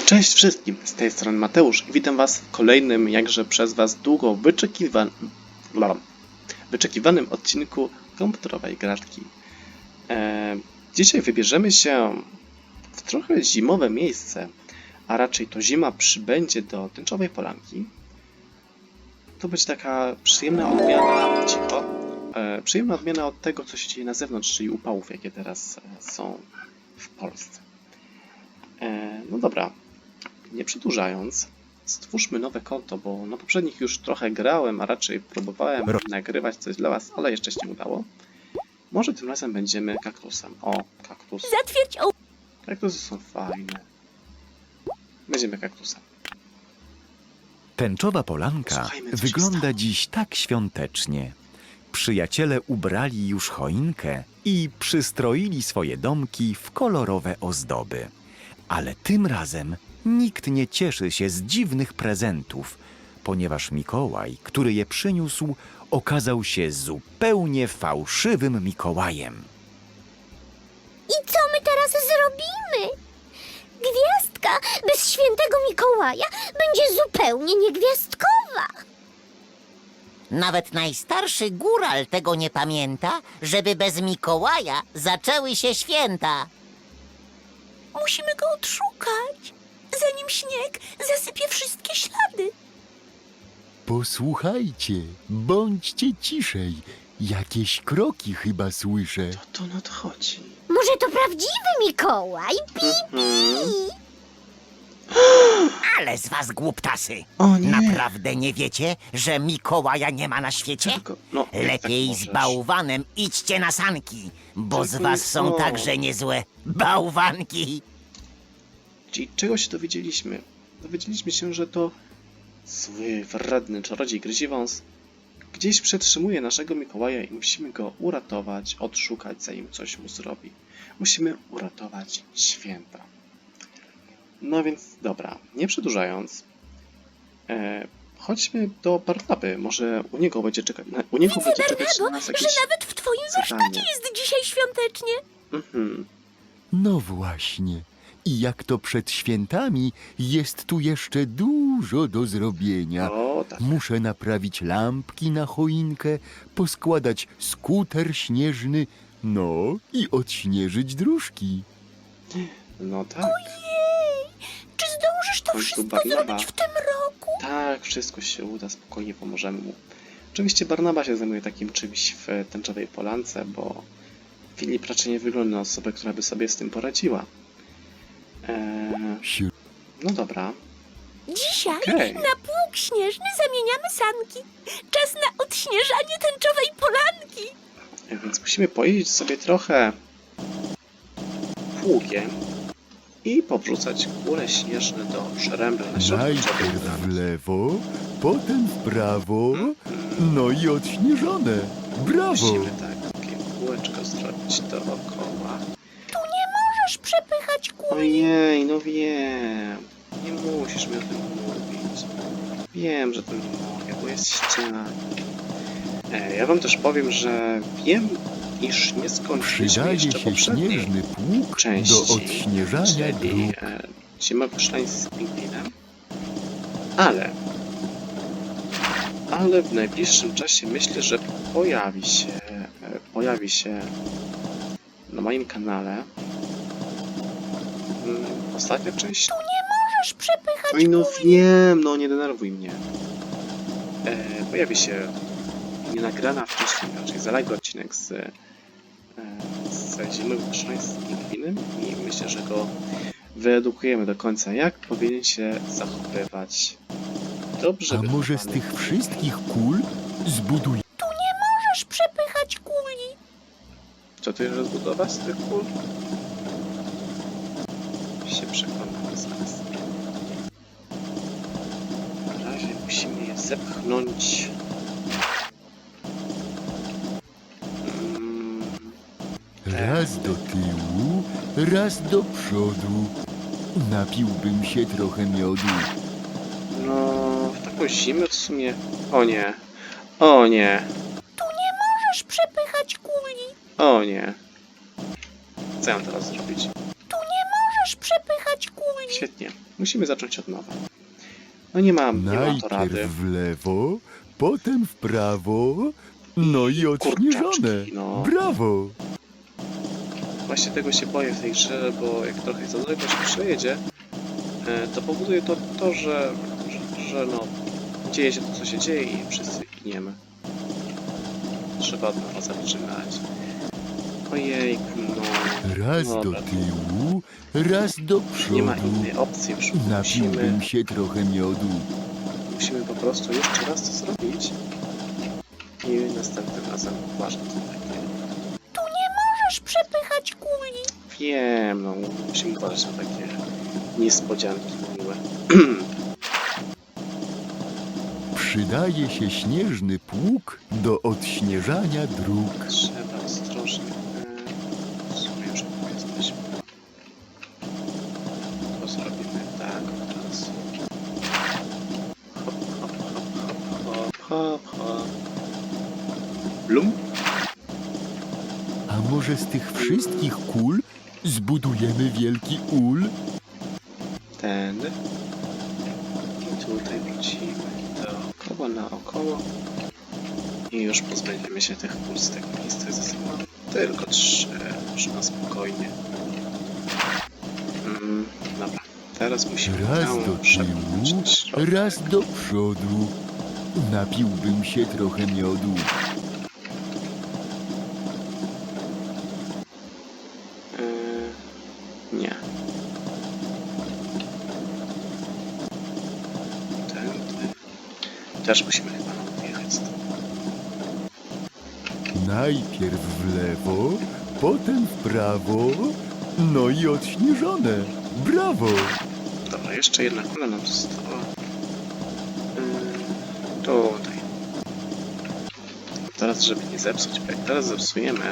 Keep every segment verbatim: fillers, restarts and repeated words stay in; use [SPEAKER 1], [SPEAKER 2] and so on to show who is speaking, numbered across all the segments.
[SPEAKER 1] Cześć wszystkim, z tej strony Mateusz i witam was w kolejnym, jakże przez was długo wyczekiwan... wyczekiwanym odcinku komputerowej gratki. Eee, dzisiaj wybierzemy się w trochę zimowe miejsce, a raczej to zima przybędzie do tęczowej polanki. To będzie taka przyjemna odmiana, cicho, e, przyjemna odmiana od tego, co się dzieje na zewnątrz, czyli upałów, jakie teraz e, są w Polsce. E, no dobra. Nie przedłużając, stwórzmy nowe konto, bo na poprzednich już trochę grałem, a raczej próbowałem nagrywać coś dla was, ale jeszcze się nie udało. Może tym razem będziemy kaktusem. O, kaktus.
[SPEAKER 2] Zatwierdź o...
[SPEAKER 1] Kaktusy są fajne. Będziemy kaktusem.
[SPEAKER 3] Tęczowa polanka
[SPEAKER 1] Słuchajmy, co się
[SPEAKER 3] wygląda
[SPEAKER 1] stało.
[SPEAKER 3] dziś tak świątecznie. Przyjaciele ubrali już choinkę i przystroili swoje domki w kolorowe ozdoby. Ale tym razem nikt nie cieszy się z dziwnych prezentów, ponieważ Mikołaj, który je przyniósł, okazał się zupełnie fałszywym Mikołajem.
[SPEAKER 2] I co my teraz zrobimy? Gwiazdka bez świętego Mikołaja będzie zupełnie niegwiazdkowa.
[SPEAKER 4] Nawet najstarszy góral tego nie pamięta, żeby bez Mikołaja zaczęły się święta.
[SPEAKER 2] Musimy go odszukać, zanim śnieg zasypie wszystkie ślady.
[SPEAKER 5] Posłuchajcie, bądźcie ciszej. Jakieś kroki chyba słyszę.
[SPEAKER 1] To to nadchodzi.
[SPEAKER 2] Może to prawdziwy Mikołaj? Pi,
[SPEAKER 4] Ale z was głuptasy!
[SPEAKER 1] O nie!
[SPEAKER 4] Naprawdę nie wiecie, że Mikołaja nie ma na świecie?
[SPEAKER 1] Tylko, no, jak
[SPEAKER 4] Lepiej
[SPEAKER 1] tak
[SPEAKER 4] z
[SPEAKER 1] możesz?
[SPEAKER 4] bałwanem idźcie na sanki, bo z
[SPEAKER 1] Tylko
[SPEAKER 4] was
[SPEAKER 1] nie
[SPEAKER 4] są
[SPEAKER 1] to.
[SPEAKER 4] także niezłe bałwanki.
[SPEAKER 1] Czyli czego się dowiedzieliśmy? Dowiedzieliśmy się, że to zły, wredny czarodziej Gryziwąs gdzieś przetrzymuje naszego Mikołaja i musimy go uratować, odszukać, zanim coś mu zrobi. Musimy uratować święta. No więc dobra, nie przedłużając, e, chodźmy do Barnaby. Może u niego będzie czekać, na, u niego będzie czekać na nas
[SPEAKER 2] że
[SPEAKER 1] jakieś
[SPEAKER 2] nawet w twoim
[SPEAKER 1] zadanie.
[SPEAKER 2] warsztacie jest dzisiaj świątecznie.
[SPEAKER 1] Mhm.
[SPEAKER 5] No właśnie. I jak to przed świętami, jest tu jeszcze dużo do zrobienia.
[SPEAKER 1] O, tak.
[SPEAKER 5] Muszę naprawić lampki na choinkę, poskładać skuter śnieżny, no i odśnieżyć dróżki.
[SPEAKER 1] No tak.
[SPEAKER 2] Czy zdążysz to
[SPEAKER 1] Końcu
[SPEAKER 2] wszystko
[SPEAKER 1] Barnaba.
[SPEAKER 2] zrobić w tym roku?
[SPEAKER 1] Tak, wszystko się uda, spokojnie pomożemy mu. Oczywiście Barnaba się zajmuje takim czymś w tęczowej polance, bo Filip raczej nie wygląda na osobę, która by sobie z tym poradziła. Eee,
[SPEAKER 5] Siu-
[SPEAKER 1] no dobra.
[SPEAKER 2] Dzisiaj
[SPEAKER 1] Okej.
[SPEAKER 2] na pług śnieżny zamieniamy sanki. Czas na odśnieżanie tęczowej polanki.
[SPEAKER 1] E, Więc musimy pojeździć sobie trochę pługiem i powrzucać kule śnieżne do żerembla na środku tęczowej
[SPEAKER 5] Najpierw w
[SPEAKER 1] polanki.
[SPEAKER 5] lewo, potem w prawo, no i odśnieżone. Brawo!
[SPEAKER 1] Musimy tak, takie kółeczko zrobić dookoła.
[SPEAKER 2] Możesz przepychać kół.
[SPEAKER 1] Ojej, no wiem. Nie musisz mi o tym mówić. Wiem, że to nie mogę, bo jest ściana. E, ja wam też powiem, że wiem, iż nie skończyliśmy
[SPEAKER 5] Przydaje
[SPEAKER 1] jeszcze
[SPEAKER 5] się
[SPEAKER 1] poprzedniej
[SPEAKER 5] śnieżny pług
[SPEAKER 1] części,
[SPEAKER 5] do odśnieżania
[SPEAKER 1] czyli
[SPEAKER 5] dróg.
[SPEAKER 1] e, Zimowy szlań z pingwinem. Ale, ale w najbliższym czasie myślę, że pojawi się, e, pojawi się na moim kanale mm, ostatnia część.
[SPEAKER 2] Możesz przepychać
[SPEAKER 1] Oj, no wiem, no nie denerwuj mnie. E, pojawi się nienagrana wcześniej, raczej zaległy odcinek z, e, z Zimowych Szlań z pingwinem i myślę, że go wyedukujemy do końca, jak powinien się zachowywać dobrze
[SPEAKER 5] A może z
[SPEAKER 1] wychowany.
[SPEAKER 5] tych wszystkich kul zbuduj
[SPEAKER 2] Możesz przepychać kuli.
[SPEAKER 1] Co tu jeszcze zbudować z tych kul? Się przekonamy zaraz. Na razie musimy je zepchnąć. Mm,
[SPEAKER 5] raz do tyłu, raz do przodu. Napiłbym się trochę miodu.
[SPEAKER 1] no, w taką zimę w sumie... O nie. O nie.
[SPEAKER 2] Możesz przepychać kuli.
[SPEAKER 1] O nie. Co ja mam teraz zrobić?
[SPEAKER 2] Możesz przepychać kuli.
[SPEAKER 1] Świetnie. Musimy zacząć od nowa. No nie mam, nie mam to rady.
[SPEAKER 5] Najpierw w lewo, potem w prawo, no i odśnieżone.
[SPEAKER 1] Kurczaczki, no.
[SPEAKER 5] Brawo!
[SPEAKER 1] Właśnie tego się boję w tej grze, bo jak trochę za daleko się przejedzie, e, to powoduje to, to że, że, że no, dzieje się to, co się dzieje i wszyscy giniemy. Trzeba od nowa zaczynać. Ojejku, no.
[SPEAKER 5] Raz do
[SPEAKER 1] Dobra.
[SPEAKER 5] tyłu, raz do
[SPEAKER 1] Nie ma
[SPEAKER 5] przodu.
[SPEAKER 1] innej opcji już. Musimy,
[SPEAKER 5] Napiłbym się trochę miodu.
[SPEAKER 1] musimy po prostu jeszcze raz to zrobić. I następnym razem uważam to takie.
[SPEAKER 2] Możesz przepychać kuli.
[SPEAKER 1] Wiem, no musimy uważać na takie niespodzianki miłe.
[SPEAKER 5] Przydaje się śnieżny pług do odśnieżania dróg.
[SPEAKER 1] Trzeba ostrożnie. e, W sumie już tu jesteśmy. To zrobimy tak od razu. Hop, hop, hop, hop, hop, hop, hop. Blum.
[SPEAKER 5] A może z tych wszystkich kul zbudujemy wielki ul?
[SPEAKER 1] Ten. I tutaj wrócimy dookoła, naokoło. I już pozbędziemy się tych kul z tego miejsca. Ze sobą mam tylko trzy. Można spokojnie. Mm, dobra. Teraz musimy
[SPEAKER 5] Raz
[SPEAKER 1] całą
[SPEAKER 5] do
[SPEAKER 1] przepchnąć
[SPEAKER 5] tyłu,
[SPEAKER 1] na środek.
[SPEAKER 5] raz do przodu. Napiłbym się trochę miodu.
[SPEAKER 1] Yy, nie. Tędy. Też musimy chyba odjechać stąd.
[SPEAKER 5] Najpierw w lewo, potem w prawo, no i odśnieżone. Brawo!
[SPEAKER 1] Dobra, jeszcze jedna kula nam została. Yy, tutaj. Teraz, żeby nie zepsuć, bo jak teraz zepsujemy,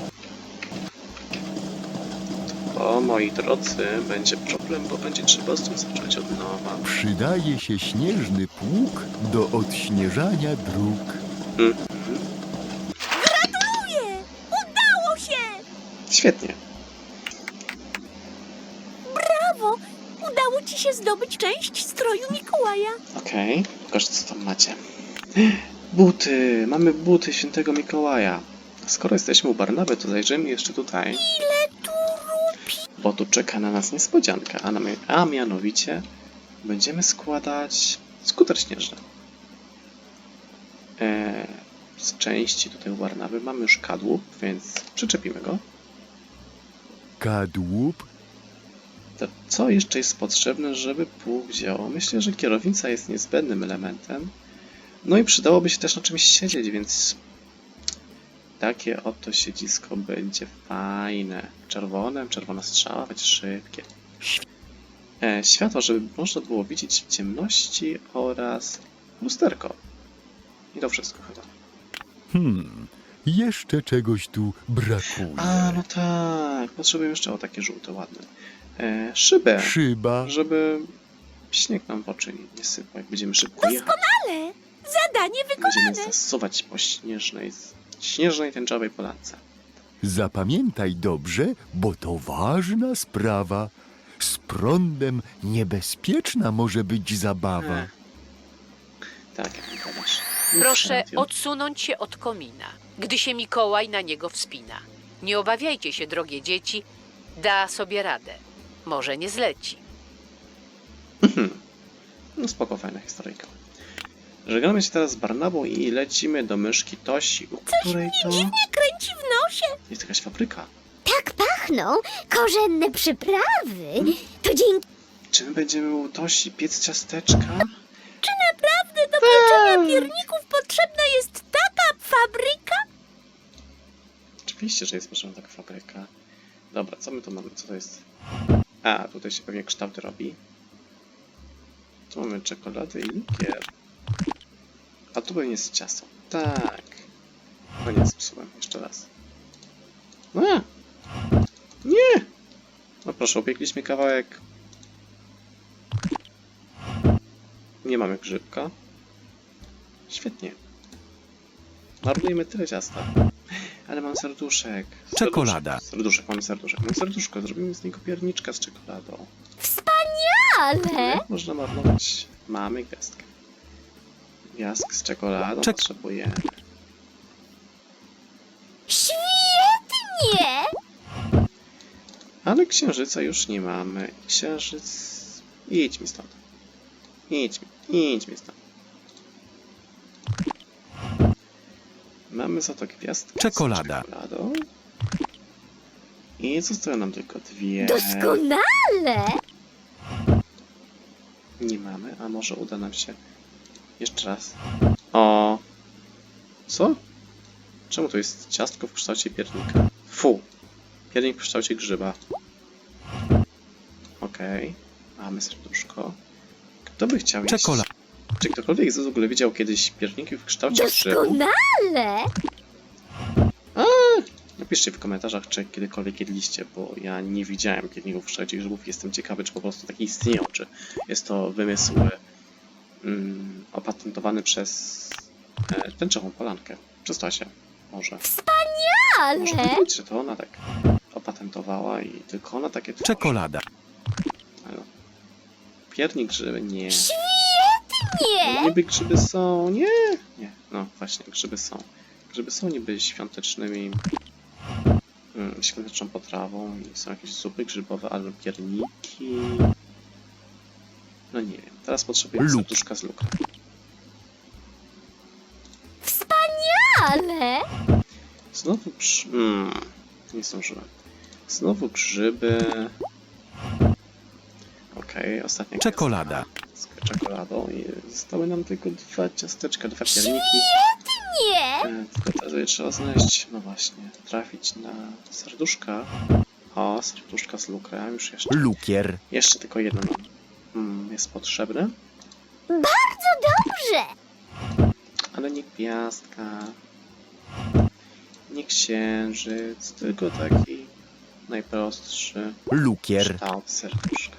[SPEAKER 1] to, moi drodzy, będzie problem, bo będzie trzeba stąd zacząć od nowa.
[SPEAKER 5] Przydaje się śnieżny pług do odśnieżania dróg.
[SPEAKER 1] Mhm.
[SPEAKER 2] Gratuluję! Udało się!
[SPEAKER 1] Świetnie.
[SPEAKER 2] Brawo! Udało ci się zdobyć część stroju Mikołaja.
[SPEAKER 1] Okej, pokażę co tam macie. Buty! Mamy buty świętego Mikołaja. Skoro jesteśmy u Barnaby, to zajrzyjmy jeszcze tutaj.
[SPEAKER 2] Ile tu rupi?
[SPEAKER 1] Bo tu czeka na nas niespodzianka, a, na, a mianowicie będziemy składać skuter śnieżny. Eee, z części tutaj u Barnaby mamy już kadłub, więc przyczepimy go.
[SPEAKER 5] Kadłub,
[SPEAKER 1] To co jeszcze jest potrzebne, żeby pług działał? Myślę, że kierownica jest niezbędnym elementem. No i przydałoby się też na czymś siedzieć, więc takie oto siedzisko będzie fajne. Czerwone, czerwona strzała, będzie szybkie. E, światło, żeby można było widzieć w ciemności oraz lusterko. I to wszystko chyba.
[SPEAKER 5] hmm, jeszcze czegoś tu brakuje.
[SPEAKER 1] A, no tak, potrzebuję jeszcze o takie żółte, ładne. E, szybę,
[SPEAKER 5] Szyba,
[SPEAKER 1] żeby śnieg nam w oczy nie- nie sypał, jak będziemy szybko jechać.
[SPEAKER 2] Ale zadanie
[SPEAKER 1] Będziemy
[SPEAKER 2] wykonane.
[SPEAKER 1] zasuwać po śnieżnej, śnieżnej tęczowej polance.
[SPEAKER 5] zapamiętaj dobrze, bo to ważna sprawa. Z prądem niebezpieczna może być zabawa.
[SPEAKER 1] E. Tak, jak mi powiesz.
[SPEAKER 6] Proszę
[SPEAKER 1] Radio.
[SPEAKER 6] odsunąć się od komina, gdy się Mikołaj na niego wspina. Nie obawiajcie się, drogie dzieci, da sobie radę. Może nie zleci.
[SPEAKER 1] Mhm. No spoko, fajna historyjka. Żegnamy się teraz z Barnabą i lecimy do myszki Tosi, u której to
[SPEAKER 2] Dziwnie kręci w nosie.
[SPEAKER 1] jest jakaś fabryka.
[SPEAKER 7] Tak pachną korzenne przyprawy. To dzięki
[SPEAKER 1] Czy my będziemy u Tosi piec ciasteczka?
[SPEAKER 2] Czy naprawdę do pieczenia pierników potrzebna jest taka fabryka?
[SPEAKER 1] Oczywiście, że jest potrzebna taka fabryka. Dobra, co my tu mamy? Co to jest? A, tutaj się pewnie kształty robi. Tu mamy czekoladę i likier. A tu pewnie jest ciasto. Tak. No nie, zepsułem. Jeszcze raz. A! Nie! No proszę, upiekliśmy kawałek. Nie mamy grzybka. Świetnie. Marnujemy tyle ciasta. Ale mam serduszek.
[SPEAKER 3] Czekolada.
[SPEAKER 1] Serduszek, serduszek, mamy serduszek. Mam serduszko, zrobimy z niego pierniczka z czekoladą.
[SPEAKER 2] Wspaniale!
[SPEAKER 7] Wspaniale!
[SPEAKER 1] Można marnować. Mamy gwiazdkę. Gwiazdk z czekoladą
[SPEAKER 3] Czek-
[SPEAKER 1] potrzebujemy.
[SPEAKER 7] Świetnie!
[SPEAKER 1] Ale księżyca już nie mamy. Księżyc... Idź mi stąd. Idź mi, idź mi stąd. Mamy za to gwiazdkę
[SPEAKER 3] Czekolada.
[SPEAKER 1] z czekoladą. I zostały nam tylko dwie.
[SPEAKER 7] Doskonale!
[SPEAKER 1] Nie mamy, a może uda nam się jeszcze raz. O. Co? Czemu to jest ciastko w kształcie piernika? Fu. Piernik w kształcie grzyba. Okej. Mamy serduszko. Kto by chciał jeść?
[SPEAKER 3] Czekolada.
[SPEAKER 1] Czy ktokolwiek z was w ogóle widział kiedyś pierniki w kształcie grzybu?
[SPEAKER 7] Doskonale!
[SPEAKER 1] Napiszcie w komentarzach, czy kiedykolwiek jedliście, bo ja nie widziałem pierników w kształcie grzybów. Jestem ciekawy, czy po prostu takie istnieją, czy jest to wymysł mm, opatentowany przez e, tęczową polankę. Przez Tasię, może. Może
[SPEAKER 7] Ale
[SPEAKER 1] być, że to ona tak opatentowała i tylko ona takie tworzy.
[SPEAKER 3] Czekolada.
[SPEAKER 1] Ale piernik grzyby, nie.
[SPEAKER 7] nie!
[SPEAKER 1] No, niby grzyby są, nie, nie, no właśnie, grzyby są. Grzyby są niby świątecznymi, mm, świąteczną potrawą i są jakieś zupy grzybowe albo pierniki. No nie wiem, teraz potrzebuję
[SPEAKER 3] Luk.
[SPEAKER 1] serduszka z luka.
[SPEAKER 7] Ale
[SPEAKER 1] Znowu grz... Mm, nie zdążyłem. Znowu grzyby. Okej, ostatnia
[SPEAKER 3] Czekolada.
[SPEAKER 1] gwiazdka z czekoladą i zostały nam tylko dwa ciasteczka, dwa pierniki.
[SPEAKER 7] nie!
[SPEAKER 1] E, Tylko teraz je trzeba znaleźć, no właśnie, trafić na serduszka. O, serduszka z lukrem, już jeszcze.
[SPEAKER 3] Lukier.
[SPEAKER 1] Jeszcze tylko jedno nam mm, jest potrzebne,
[SPEAKER 7] Dobrze!
[SPEAKER 1] ale nie gwiazdka, nie księżyc, tylko taki najprostszy
[SPEAKER 3] Lukier.
[SPEAKER 1] kształt serduszka.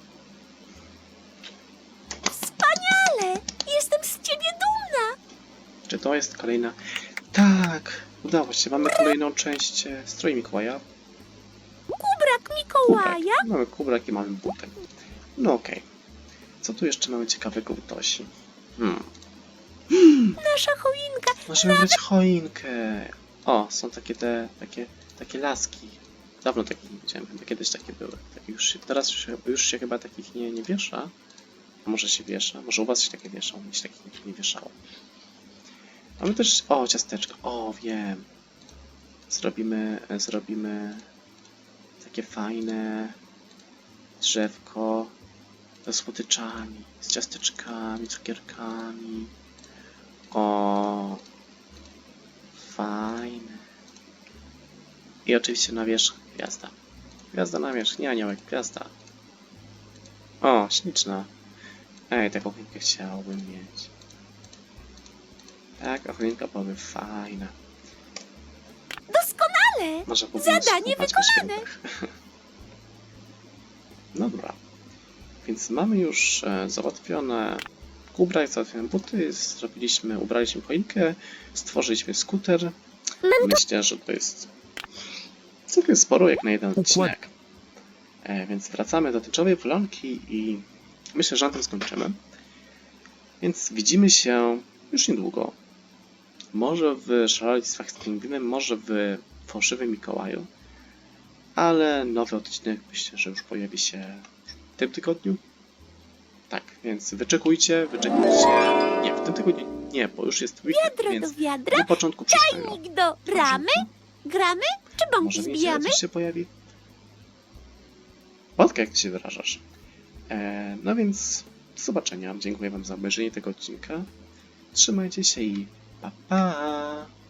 [SPEAKER 2] Wspaniale! Jestem z ciebie dumna!
[SPEAKER 1] Czy to jest kolejna? Tak, udało się, mamy kolejną część e, stroju Mikołaja.
[SPEAKER 2] Kubrak Mikołaja?
[SPEAKER 1] Kubrak. Mamy kubrak i mamy butek. No okej. Co tu jeszcze mamy ciekawego w Tosi? Hmm.
[SPEAKER 2] Nasza choinka.
[SPEAKER 1] Możemy brać choinkę. O, są takie te, takie, takie laski. Dawno takich nie widziałem, chyba kiedyś takie były. Takie już się, teraz już, się- już się chyba takich nie, nie wiesza. A może się wiesza, może u was się takie wieszą, mnie się takich nigdy nie wieszało. Mamy też, o, ciasteczko, o, wiem. Zrobimy, e, zrobimy takie fajne drzewko ze słodyczami, z ciasteczkami, cukierkami. O, fajne. I oczywiście na wierzch gwiazda. Gwiazda na wierzch, nie aniołek, gwiazda. O, śliczna. Ej, taką choinkę chciałbym mieć. Tak, a choinka byłaby fajna.
[SPEAKER 2] Doskonale!
[SPEAKER 1] Można by było
[SPEAKER 2] Zadanie
[SPEAKER 1] skopać po
[SPEAKER 2] wykonane.
[SPEAKER 1] świętach. Dobra. Więc mamy już e, załatwione kubrak, załatwione buty, zrobiliśmy, ubraliśmy choinkę, stworzyliśmy skuter. Myślę, że to jest całkiem sporo jak na jeden
[SPEAKER 3] Układ-
[SPEAKER 1] odcinek. E, więc wracamy do tęczowej polanki i myślę, że na tym skończymy. Więc widzimy się już niedługo. Może w Szaleństwach z Pingwinem, może w Fałszywym Mikołaju. Ale nowy odcinek myślę, że już pojawi się w tym tygodniu. Tak, więc wyczekujcie, wyczekujcie. Nie, w tym tygodniu nie, bo już jest weekend,
[SPEAKER 2] Wiadro do
[SPEAKER 1] więc
[SPEAKER 2] wiadra,
[SPEAKER 1] na początku przyszłego.
[SPEAKER 2] czajnik do ramy. Gramy? Czy bąki
[SPEAKER 1] Może w niedzielę
[SPEAKER 2] zbijamy?
[SPEAKER 1] coś się pojawi? Wodka, jak ty się wyrażasz. E, no więc do zobaczenia. Dziękuję wam za obejrzenie tego odcinka. Trzymajcie się i pa pa!